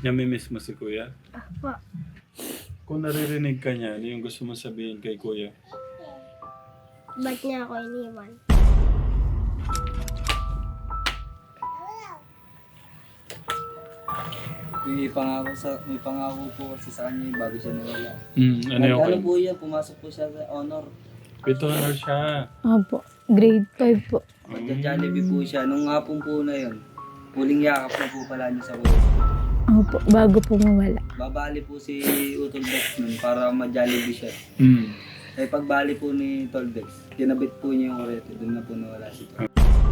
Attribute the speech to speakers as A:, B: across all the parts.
A: Namimiss mo si kuya?
B: Apo.
A: Kung naririnig ka niya, ano yung gusto mo sabihin kay kuya?
B: Ba't niya ako iniwan?
C: May pangako po kasi sa kanya bago siya nawala.
A: Ano yung
C: Ano po yan, pumasok po siya sa honor.
A: Ito ano siya?
D: Opo, grade 5 po.
C: Magja-Jollibee po siya. Nung hapon po na yun, huling yakap na po pala niya sa kuya.
D: Opo, bago po mawala.
C: Babali po si Utolbex nun para ma-Jollibee siya. Eh pagbali po ni Tolbex, kinabit po niya yung kurete. Doon na po nawala si Tolbex.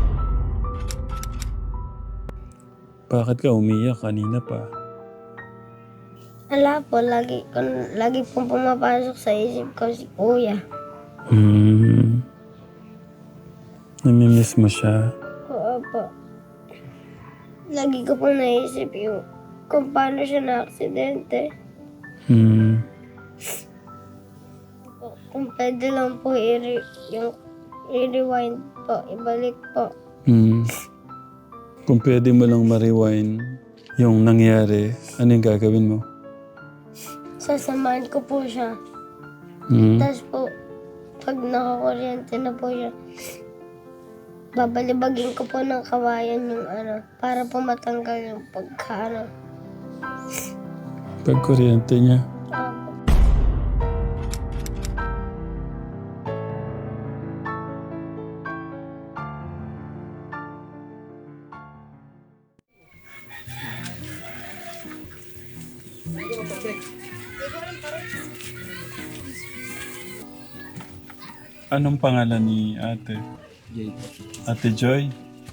A: Bakit ka umiyak kanina pa?
B: Wala po, lagi pong pumapasok sa isip ko si kuya.
A: Namimiss mo siya?
B: Oo po. Lagi ko pong naisip yung kung paano siya na-aksidente. Kung pwede lang po i-rewind po, ibalik po.
A: Kung pwede mo lang ma-rewind yung nangyari, ano yung gagawin mo?
B: Sasamahan ko po siya. Tapos po, pag nakakuryente na po siya, babalibagin ko po ng kawayan yung para po matanggal yung
A: Pag kuryente niya.
B: Opo.
A: Anong pangalan ni ate?
C: Jay po.
A: Ate Joy?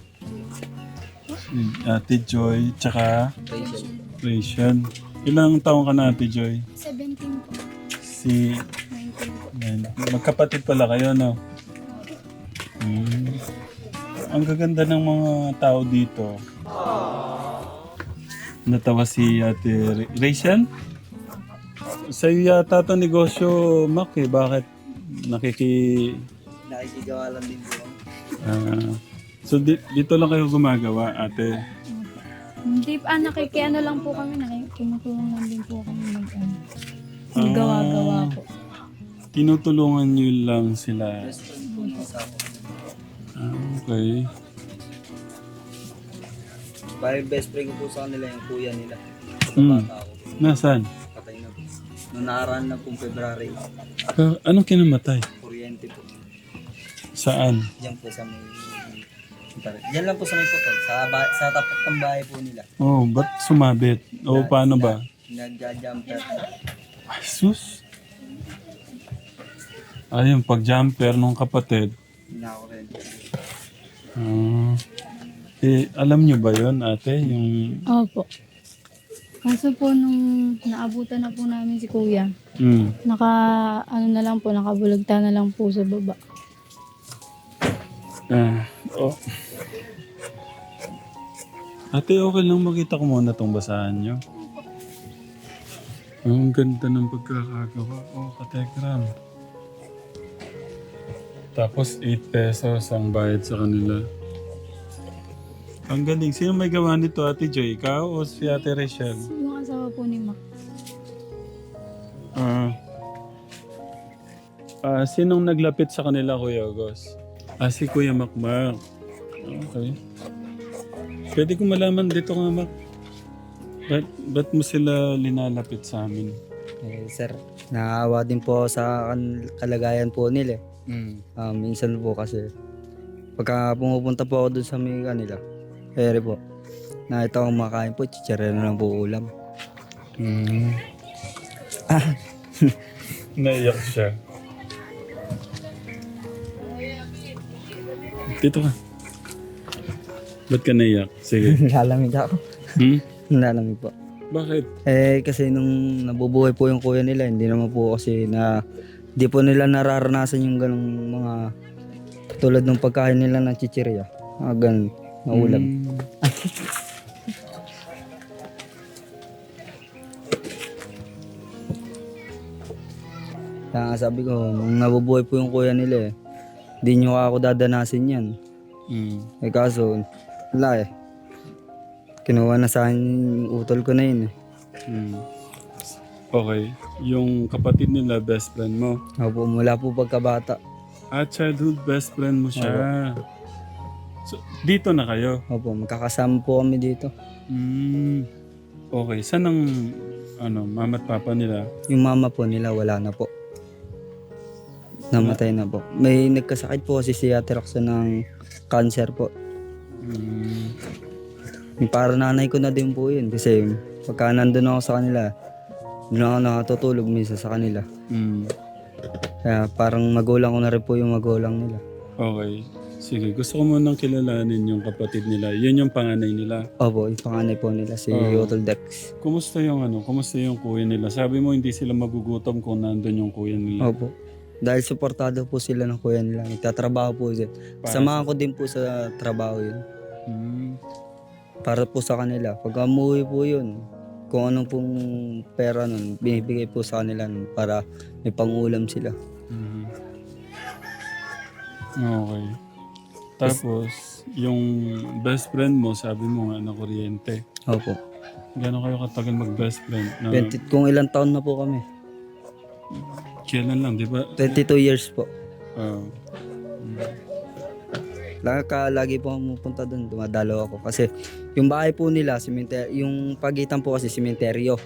A: Ate Joy, tsaka
C: Rachel.
A: Rachel. Ilang taong ka na, Ate Joy?
D: 17 po.
A: Si...
D: 19 po.
A: Magkapatid pala kayo, no? Ang gaganda ng mga tao dito. Natawa si Ate Rachel? Sa'yo yata ito negosyo, Mac, eh. Bakit
C: Nakikigawa lang din po.
A: So dito lang kayo gumagawa, ate?
D: Hindi nakikiano lang po kami, tumutulong lang din po kami maggawa-gawa po.
A: Tinutulungan nyo lang sila.
C: Best friend po ng asawa.
A: Okay.
C: Bali best friend ko po sa kanila yung kuya nila. Bata ako.
A: Nasaan?
C: Patay na po. Noong nakaraan na pong February,
A: Anong kinamatay?
C: kuryente po.
A: Saan?
C: Diyan po sa may... Diyan lang po sa may putol. Sa tapat ng bahay po nila.
A: Oh, ba't sumabit? O paano ba?
C: Nagja-jumper.
A: Ay, sus! Ayun, pag-jumper nung kapatid.
C: Nakakurente.
A: Alam nyo ba yon ate? Yung...
D: Opo. Kaso po nung naabutan na po namin si kuya, nakabulagta na lang po sa baba.
A: Oh. Ate, okay lang makita ko muna tong basahan nyo. Ang ganda ng pagkakagawa. Oh, katekram. Tapos 8 pesos ang bayad sa kanila. Ang galing. Sino may gawa nito, Ate Joy? Ikaw o si Ate Rachel?
D: Yung asawa po ni Mac.
A: Sinong naglapit sa kanila, Kuya August? Si Kuya Macmac. Okay. Pwede ko malaman dito nga, Mac. Ba't mo sila linalapit sa amin?
C: Sir, naawa din po sa kalagayan po nila. Minsan po kasi pagka pumupunta po ako dun sa may kanila, ere po, nakita ko makain po, chichirya na lang po ulam.
A: Naiyak siya. Dito ka. Ba't ka naiyak? Sige.
C: Lalamig ako. Lalamig po.
A: Bakit?
C: Kasi nung nabubuhay po yung kuya nila, hindi naman po kasi di po nila nararanasan yung ganong mga tulad ng pagkain nila ng chichirya. Ganun, na ulam. Kaya nga sabi ko, nung nabubuhay po yung kuya nila di nyo ako dadanasin yan. Kaso, wala Kinuha na sa akin yung utol ko na yun
A: Okay. Yung kapatid nila, best friend mo.
C: Opo, mula po pagkabata.
A: Childhood best friend mo siya. So, dito na kayo?
C: Opo, magkakasama po kami dito.
A: Okay. Saan ang mama at papa nila?
C: Yung mama po nila wala na po. Namatay na po. May nagkasakit po kasi si Ate Roxanne ng cancer po. Yung para nanay ko na din po yun. Kasi pagka nandun ako sa kanila, doon ako nakatutulog minsan sa kanila. Kaya parang magulang ko na rin po yung magulang nila.
A: Okay. Sige, gusto ko munang kilalanin yung kapatid nila. Yun yung panganay nila.
C: Opo, yung panganay po nila, si Yotol Dex.
A: Kumusta yung kuya nila? Sabi mo hindi sila magugutom kung nandun yung kuya nila.
C: Opo. Dahil suportado po sila ng kuya nila. Nagtatrabaho po din. Samahan ko din po sa trabaho yun. Para po sa kanila. Pag umuwi po yun, kung anong pong pera nun, binibigay po sa kanila nun para may pangulam sila.
A: Okay. Tapos, yung best friend mo, sabi mo nga na kuryente.
C: Opo.
A: Gano'n kayo katagal mag-best friend? Na,
C: Kung ilang taon na po kami.
A: kailan lang, di ba?
C: 22 years po.
A: Ah.
C: Lagi po akong pupunta doon, dumadalo ako. Kasi yung bahay po nila, yung pagitan po kasi simenteryo.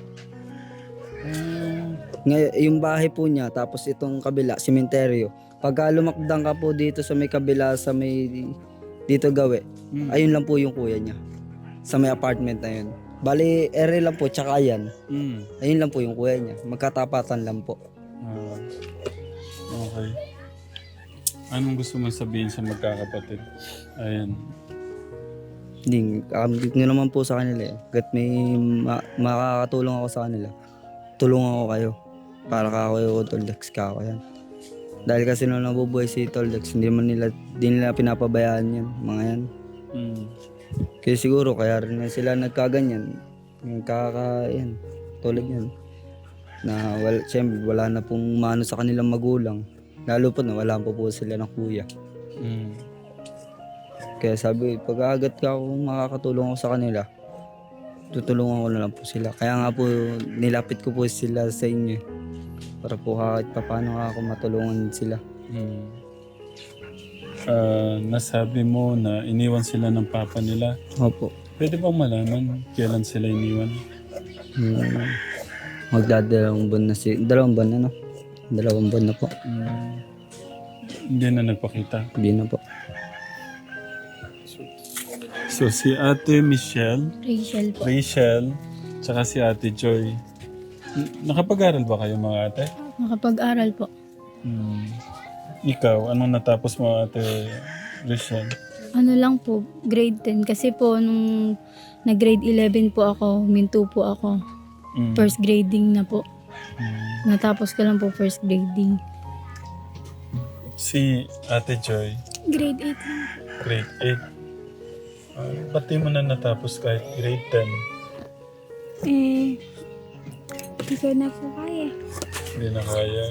C: Yung bahay po niya, tapos itong kabila, simenteryo. Pagka lumakdang ka po dito sa may kabila, sa may dito gawi, ayun lang po yung kuya niya. Sa may apartment na yun. Bali, ere lang po, tsaka yan. Ayun lang po yung kuya niya. Magkatapatan lang po.
A: Okay. Anong gusto mo sabihin sa magkakapatid? Ayan.
C: Hindi nyo naman po sa kanila eh. Gat may makakatulong ako sa kanila. Tulungan ko kayo. Para ka kayo Toldex ka ako yan. Dahil kasi nung nabubuhay si Toldex, di nila pinapabayaan yan. Mga yan. Kaya siguro kaya rin sila nagkaganyan. Yan. Tulad yan. Na siyempre wala na pong mano sa kanilang magulang. Lalo po na wala po sila ng kuya. Kaya sabi, pag agat ka kung makakatulong ako sa kanila, tutulungan ko na lang po sila. Kaya nga po, nilapit ko po sila sa inyo. Para po kahit paano ako matulungan sila.
A: Nasabi mo na iniwan sila ng papa nila.
C: Opo.
A: Pwede bang malaman kailan sila iniwan?
C: Magdadalawang buwan na dalawang buwan na no? 2 buwan na po.
A: Hindi na nagpakita.
C: Hindi na po.
A: So si Ate Michelle,
D: Rachel po.
A: tsaka si Ate Joy. Nakapag-aral ba kayo mga ate?
D: Nakapag-aral po.
A: Ikaw, anong natapos mo Ate Rachel?
D: Ano lang po, grade 10. Kasi po, nung nag-grade 11 po ako, minto po ako. First grading na po. Natapos ko lang po first grading.
A: Si Ate Joy,
D: Grade 8 lang.
A: grade 8. Ba't di mo na natapos kahit grade 10?
D: Hindi ko na po kaya.
A: Hindi na kaya.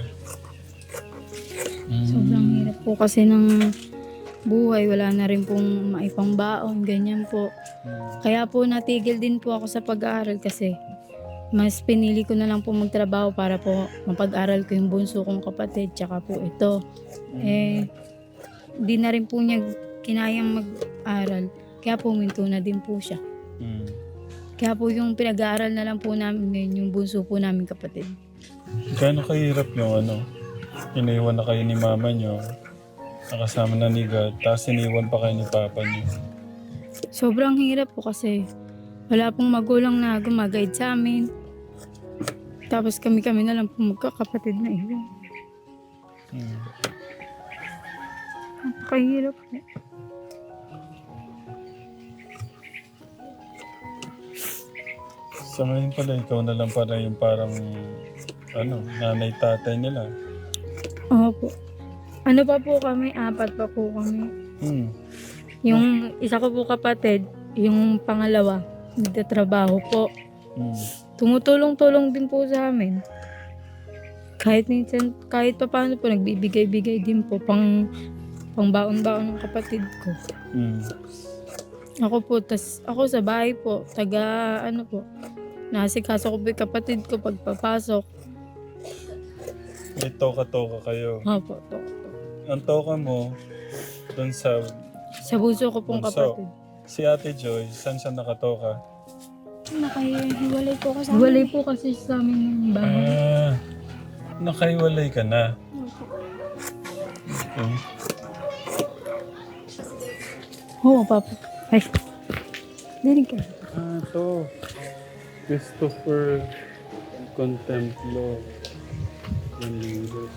D: Sobrang hirap po kasi ng buhay. Wala na rin pong maipang baon, ganyan po. Kaya po natigil din po ako sa pag-aaral kasi mas pinili ko na lang po magtrabaho para po mapag-aral ko yung bunso kong kapatid tsaka po ito. Di na rin po niya kinayang mag-aral. Kaya po minto na din po siya. Kaya po yung pinag-aaral na lang po namin ngayon, yung bunso po namin kapatid.
A: Gaano kahirap yung iniwan na kayo ni mama nyo, nakasama na ni God, tapos iniwan pa kayo ni papa nyo.
D: Sobrang hirap po kasi wala pong magulang na gumaguide sa amin. Tapos kami-kami na lang po magkakapatid na iwan. Napakahirap po.
A: Sa ngayon pala, ikaw na lang pala yung parang nanay tatay nila.
D: Opo. Ano pa po kami? 4 pa po kami. Yung isa ko po kapatid, yung pangalawa, nagtatrabaho po. Tumutulong-tulong din po sa amin. Kahit minsan, kahit pa paano po, nagbibigay-bigay din po pang baon-baon ng kapatid ko. Ako po, ako sa bahay po, Nasikaso ko po yung kapatid ko pagpapasok.
A: May toka-toka kayo.
D: Opo, to.
A: Ang toka mo, dun sa
D: Sa bunso ko pong
A: bunso.
D: kapatid.
A: Si Ate Joy, saan siya nakatoka?
B: Nakahiwalay po ako sa
D: Walay po kasi sa amin yung bahay.
A: Nakaiwalay ka na. Okay.
D: Oo, papa. Ay. Dinig ka.
A: To. Christopher Contemplo. Dominguez.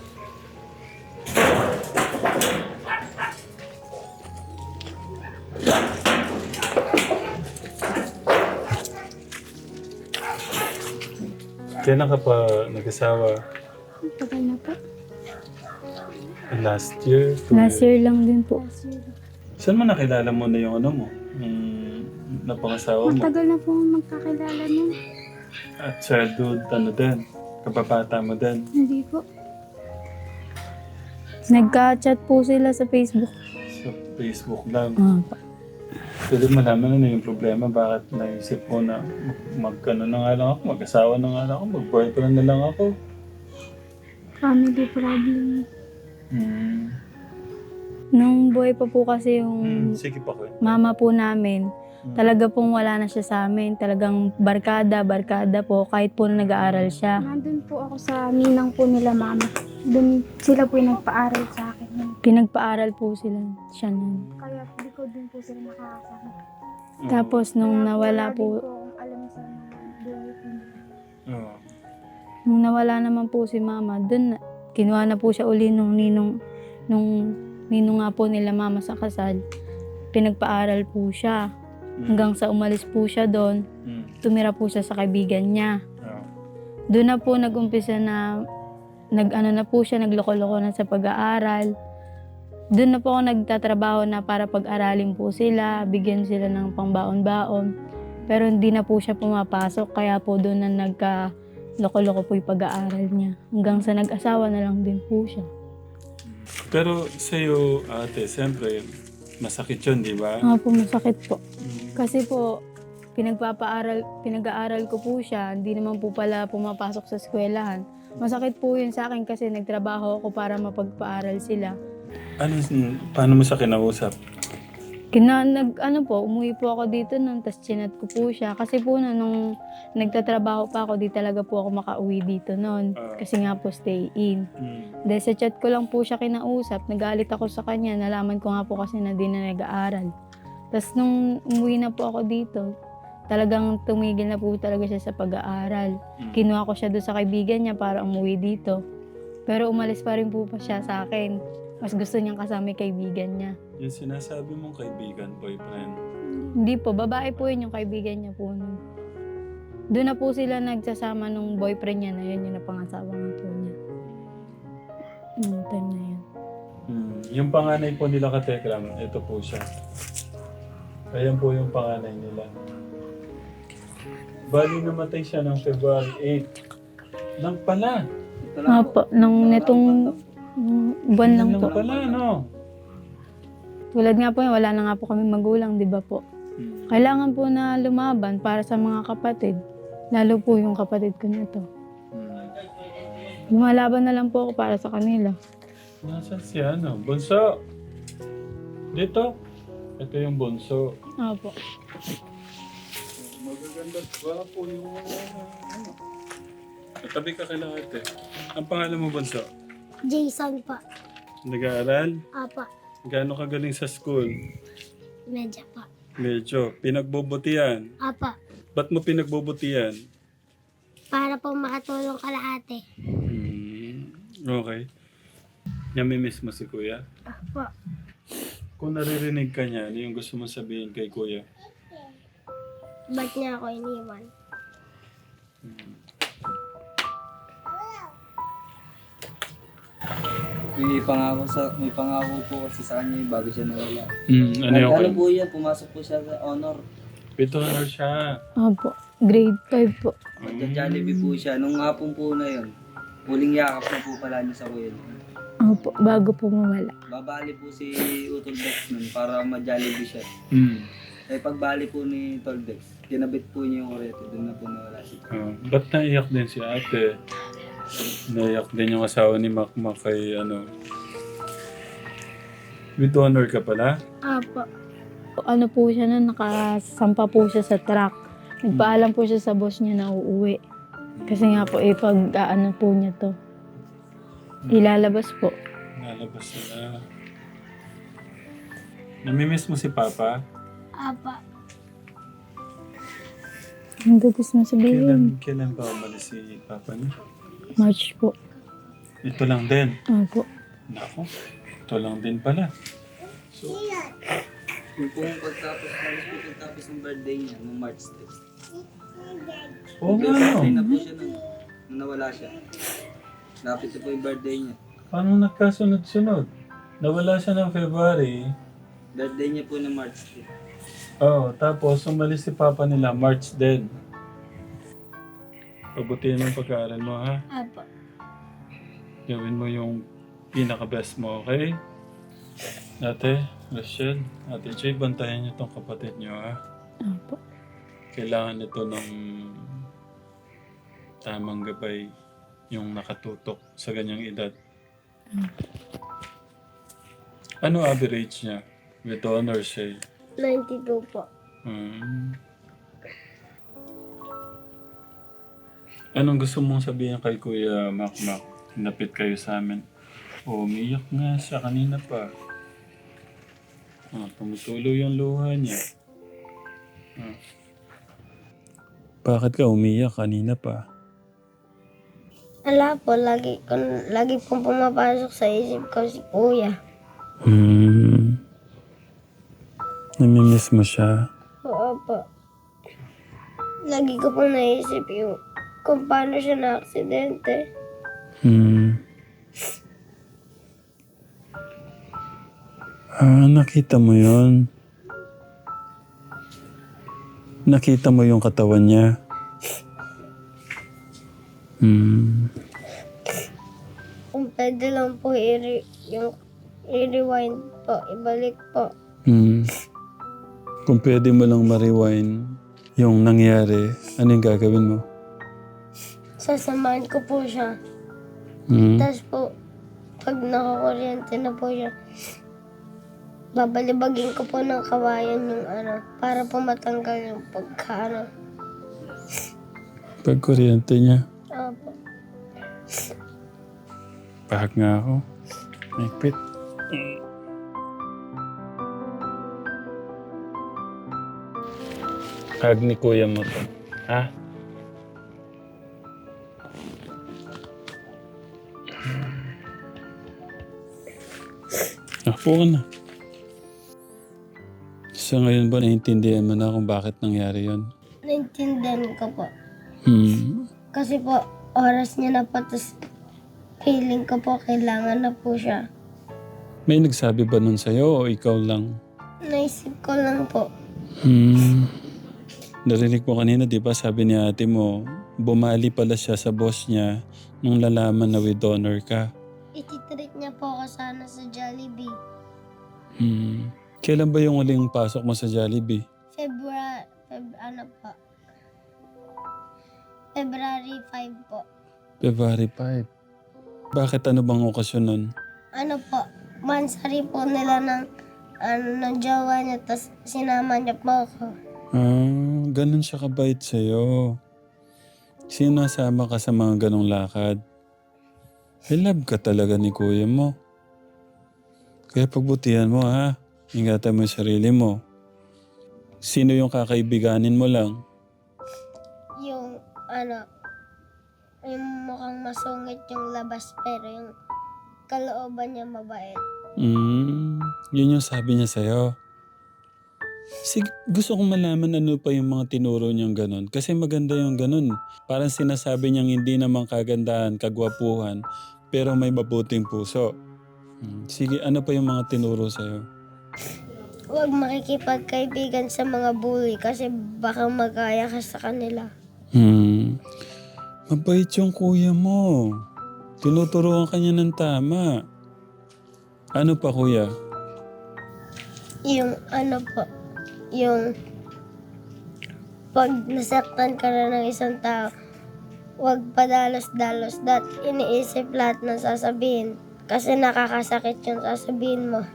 A: Kailan ka pa nag-asawa?
B: Tagal na po.
A: Last year?
D: Last year lang din po.
A: Saan mo nakilala mo na yung ano mo? Yung napangasawa mo?
B: Matagal na po magkakilala nun.
A: At childhood, ano din? Kababata mo din?
B: Hindi po.
D: Nagka-chat po sila sa Facebook.
A: Sa Facebook lang.
D: Opo.
A: Pwede malaman ano yung problema, bakit naisip mo na magkano na nga lang ako, mag-asawa na nga lang ako, mag-boyfriend na lang ako.
B: Family problem.
D: Nung buhay pa po kasi yung
A: Sige pa ko.
D: mama po namin, talaga pong wala na siya sa amin. Talagang barkada po, kahit po na nag-aaral siya.
B: Nandun po ako sa ninang po nila mama. Doon sila po yung nagpaaral sa akin.
D: Pinagpaaral po siya nun.
B: Kaya di ko din po sila nakakasama.
D: Tapos nung nawala po,
B: Kung alam sa mga buhay po nila.
D: nung nawala naman po si mama, dun kinuha na po siya uli nung ninong nga po nila mama sa kasal. Pinagpaaral po siya. Hanggang sa umalis po siya doon, tumira po siya sa kaibigan niya. Doon na po nag-umpisa na nagloko-loko na sa pag-aaral. Doon na po ako nagtatrabaho na para pag-aralin po sila, bigyan sila ng pangbaon-baon. Pero hindi na po siya pumapasok, kaya po doon na nagka-loko-loko po yung pag-aaral niya. Hanggang sa nag-asawa na lang din po siya.
A: Pero sa'yo, ate, siyempre, masakit yun, di ba?
D: Po, masakit po. Kasi po, pinag-aaral ko po siya, hindi naman po pala pumapasok sa eskwelahan. Masakit po yun sa akin kasi nagtrabaho ako para mapagpaaral sila.
A: Paano mo siya kinausap?
D: Umuwi po ako dito nun, tapos chinat ko po siya. Kasi po nung nagtatrabaho pa ako, di talaga po ako makauwi dito nun. Kasi nga po stay in. Dahil sa chat ko lang po siya kinausap, nagalit ako sa kanya, nalaman ko nga po kasi na di na nag-aaral. Tapos nung umuwi na po ako dito, talagang tumigil na po talaga siya sa pag-aaral. Kinuha ko siya doon sa kaibigan niya para umuwi dito. Pero umalis pa rin po pa siya sa akin. Mas gusto niyang kasama yung kaibigan niya.
A: Yung sinasabi mong kaibigan, boyfriend.
D: Hindi po, babae po yun yung kaibigan niya po nun. Doon na po sila nagsasama nung boyfriend niya na yun, yung napangasawa nga po niya. Nung time na yun.
A: Yung panganay po nila katekram, ito po siya. Ayan po yung panganay nila. Bali namatay siya ng February 8. Lang pala.
D: Po, nung netong buwan lang po.
A: Pala, no?
D: Tulad nga po yun, wala na nga po kami magulang, di ba po? Kailangan po na lumaban para sa mga kapatid. Lalo po yung kapatid ko nito. Lumalaban na lang po ako para sa kanila.
A: Nasaan si Bunso? Dito. Ito yung bunso.
D: Opo.
A: Magaganda ba po yung Tabi ka kay ate. Ang pangalan mo, Bunso?
B: Jason pa.
A: Nag-aaral?
B: Apa.
A: Gaano ka galing sa school?
B: Medya pa.
A: Medyo. Pinagbubutihan.
B: Apa.
A: Ba't mo pinagbubutihan?
B: Para po makatulong kalahati.
A: Okay. Namimiss mo si Kuya?
B: Apa.
A: Kung naririnig ka niya, ano yung gusto mo sabihin kay Kuya?
B: Ba't niya ako iniwan?
C: May pangako po kasi sa kanya bago siya nawala.
A: Ano yung
C: Ano po yan, pumasok po siya sa honor.
A: Ito na siya.
D: Opo. Grade 5 po.
C: Magja-Jollibee po siya. Nung hapon po na yun, huling yakap na po pala niya sa kuya.
D: Opo. Bago po mawala.
C: Babali po si Utol Bex nun para ma-Jollibee siya. Eh pagbali po ni Toldex, kinabit po niya yung kuryente, doon na po nawala siya.
A: Ba't naiyak din si ate? Naiyak din yung asawa ni Makmak kay ano. With honor ka pala?
B: Apo.
D: Ano po siya nun, nakasampa po siya sa truck. Nagpaalam po siya sa boss niya na uuwi. Kasi nga po, pag ano po niya to, ilalabas po.
A: Nalabas na. Namimiss mo si Papa?
B: Apa.
D: Ang gusto mo sabihin?
A: Kailan ba umalis si Papa niya?
D: March po.
A: Ito lang din.
D: Opo.
A: Nako, ito lang din pala. So,
C: Yung pong pagtapos ng birthday niya, nung March 6.
A: oo nga
C: Birthday
A: no.
C: na po siya nung nawala siya. Lapit na po yung birthday niya.
A: Paano nagkasunod-sunod? Nawala siya ng February.
C: Birthday niya po ng March 6.
A: Oo, tapos umalis si Papa nila March din. Pabutihan mo ang pag-aaral mo, ha?
B: Apa.
A: Gawin mo yung pinaka-best mo, okay? Ate, Rachel, Ate Joy, bantayan niyo tong kapatid niyo, ha?
D: Opo.
A: Kailangan ito ng tamang gabay yung nakatutok sa ganyang edad. Ano average niya? With honors, eh.
B: 92 po.
A: Anong gusto mong sabihin kay Kuya Makmak? Hinapit kayo sa amin. Umiyak nga siya kanina pa. Tumutulo yung luha niya. Bakit ka umiyak kanina pa?
B: Ala po, lagi pong pumapasok sa isip ko si Kuya.
A: Namimiss mo siya?
B: Oo po. Lagi ko pong naisip yung kung paano siya na-aksidente.
A: Nakita mo yun? Nakita mo yung katawan niya?
B: Kung pwede lang po i-rewind po, ibalik po.
A: Kung pwede mo lang ma-rewind yung nangyari, anong gagawin mo?
B: Sasamahan ko po siya. Tapos po, pag nakakuryente na po siya, babalibagin ko po ng kawayan yung para po matanggal yung pagka
A: Pag kuryente niya,
B: Opo.
A: pahag nga ako. Nagpit. Hag ni kuya mo to. Ha? Po ka na. Sa ngayon ba naiintindihan mo na kung bakit nangyari yun?
B: Naintindihan ko po.
A: Hmm.
B: Kasi po, oras niya na po, tapos feeling ko po, kailangan na po siya.
A: May nagsabi ba nun sa'yo o ikaw lang?
B: Naisip ko lang po.
A: Narinig mo kanina, di ba, sabi ni ate mo, bumali pala siya sa boss niya nung lalaman na with honor ka.
B: Ititreat niya po ako sana sa Jollibee.
A: Kailan ba yung uling pasok mo sa Jollibee?
B: February 5 po.
A: February 5. Bakit ano bang okasyon nun?
B: Ano po, mansari po nila ng jowa niya, tapos sinama niya po ako.
A: Ganun siya kabait sa'yo. Sino nasama ka sa mga ganong lakad? I love ka talaga ni kuya mo. Kaya pagbutihan mo, ha? Ingatan mo yung sarili mo. Sino yung kakaibiganin mo lang?
B: Yung mukhang masungit yung labas, pero yung kalooban niya mabait.
A: Yun yung sabi niya sa'yo. Sige, gusto kong malaman ano pa yung mga tinuro niyang ganun. Kasi maganda yung ganun. Parang sinasabi niyang hindi naman kagandahan, kagwapuhan, pero may mabuting puso. Sige, ano pa yung mga tinuro sa'yo?
B: Huwag makikipagkaibigan sa mga bully kasi baka magaya ka sa kanila.
A: Mabait yung kuya mo. Tinuturuan ka niya ng tama. Ano pa, kuya?
B: Yung yung pag nasaktan ka na ng isang tao, huwag padalos-dalos iniisip lahat ng sasabihin. Kasi nakakasakit yung sasabihin mo.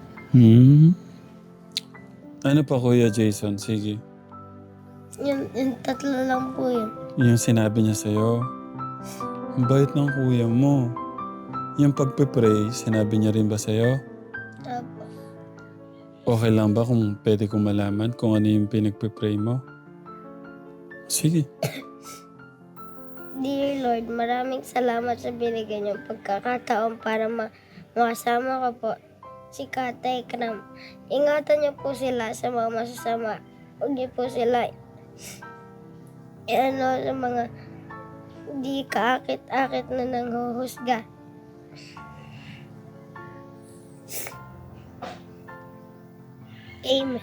A: Ano pa Kuya Jason? Sige.
B: Yung tatlo lang po yun.
A: Yung sinabi niya sa'yo. Ang bait ng kuya mo. Yung pagpe-pray, sinabi niya rin ba sa'yo?
B: Tapos,
A: Okay lang ba kung pwede kong malaman kung ano yung pinagpe-pray mo? Sige.
B: Dear Lord, maraming salamat sa binigay niyong pagkakataon para makasama ko po si Katay Kram. Ingatan niyo po sila sa mga masasama. Huwag niyo po sila sa mga di kaakit-akit na nanghuhusga. Amen.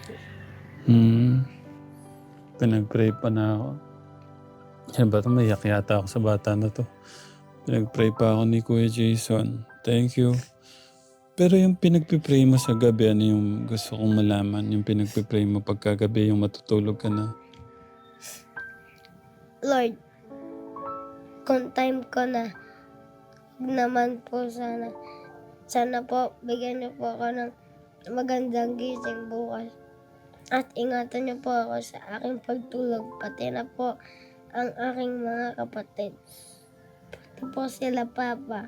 A: Pinag-pray pa na ako. Yan ba ito? Mayak yata ako sa bata na to. Pinag-pray pa ako ni Kuya Jason. Thank you. Pero yung pinagpipray mo sa gabi, ano yung gusto kong malaman? Yung pinagpipray mo pagkagabi, yung matutulog ka na.
B: Lord, kung time ko na naman po sana po bigyan niyo po ako ng magandang gising bukas. At ingatan niyo po ako sa aking pagtulog, pati na po ang aking mga kapatid. Pati po sila Papa.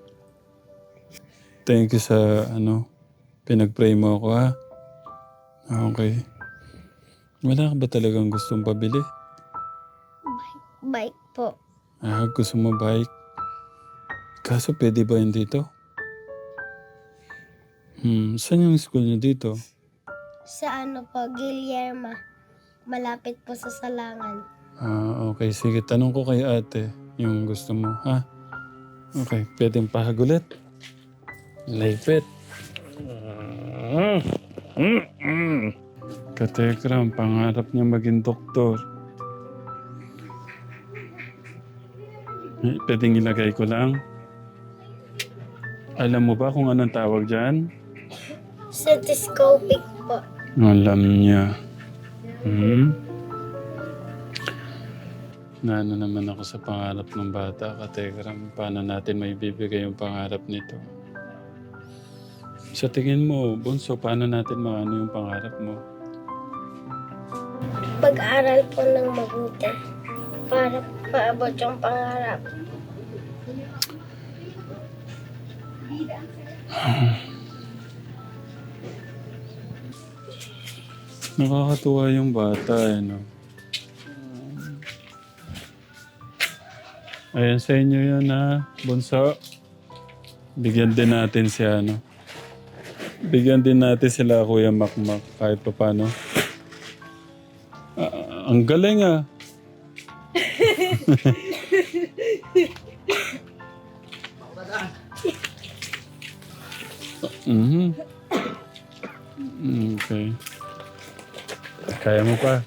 A: Thank you sa pinag-pray mo ako ha. Okay. Wala ka ba talagang gustong pabili?
B: Bike po.
A: Gusto mo bike? Kaso pwede ba yun dito? Saan yung school niyo dito?
B: Sa Guillermo. Malapit po sa Salangan.
A: Okay. Sige, tanong ko kay ate yung gusto mo, ha? Okay, pwedeng pahagulit. Laipit. Katekram, pangarap niya maging doktor. Pwedeng ilagay ko lang. Alam mo ba kung anong tawag dyan?
B: Stethoscopic po.
A: Alam niya. Naano naman ako sa pangarap ng bata, Katekram. Paano natin may bibigay yung pangarap nito? Sa tingin mo, Bunso, paano natin maano yung pangarap mo?
B: Pag-aral po ng mabuti para maabot yung pangarap.
A: Nakakatuwa yung bata, no? Ayan sa inyo yun, ha? Bunso. Bigyan din natin si Bigyan din natin sila Kuya Makmak kahit pa paano. Ang galing, Okay. Kaya mo pa.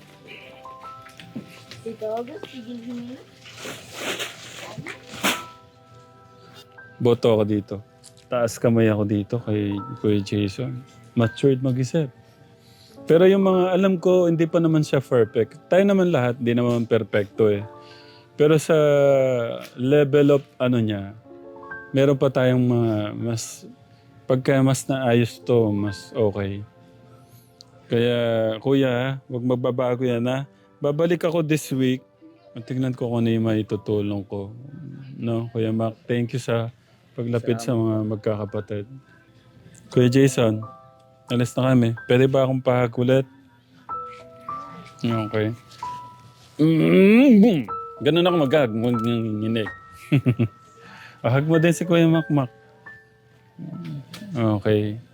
A: Boto ako dito. Taas kamay ako dito kay Kuya Jason. Matured mag-isip. Pero yung mga alam ko, hindi pa naman siya perfect. Tayo naman lahat, hindi naman perfecto eh. Pero sa level of niya, meron pa tayong mga pagka mas naayos to, mas okay. Kaya kuya, huwag magbabago yan ha. Babalik ako this week. Tignan ko kung ano yung maitutulong ko. No, Kuya Mac, thank you sa paglapit sa mga magkakapatid. Kuya Jason, alis na kami. Pwede ba akong pahakulit? Okay. Boom! Ganun ako mag-nginig. Ahag mo din si Kuya Makmak. Okay.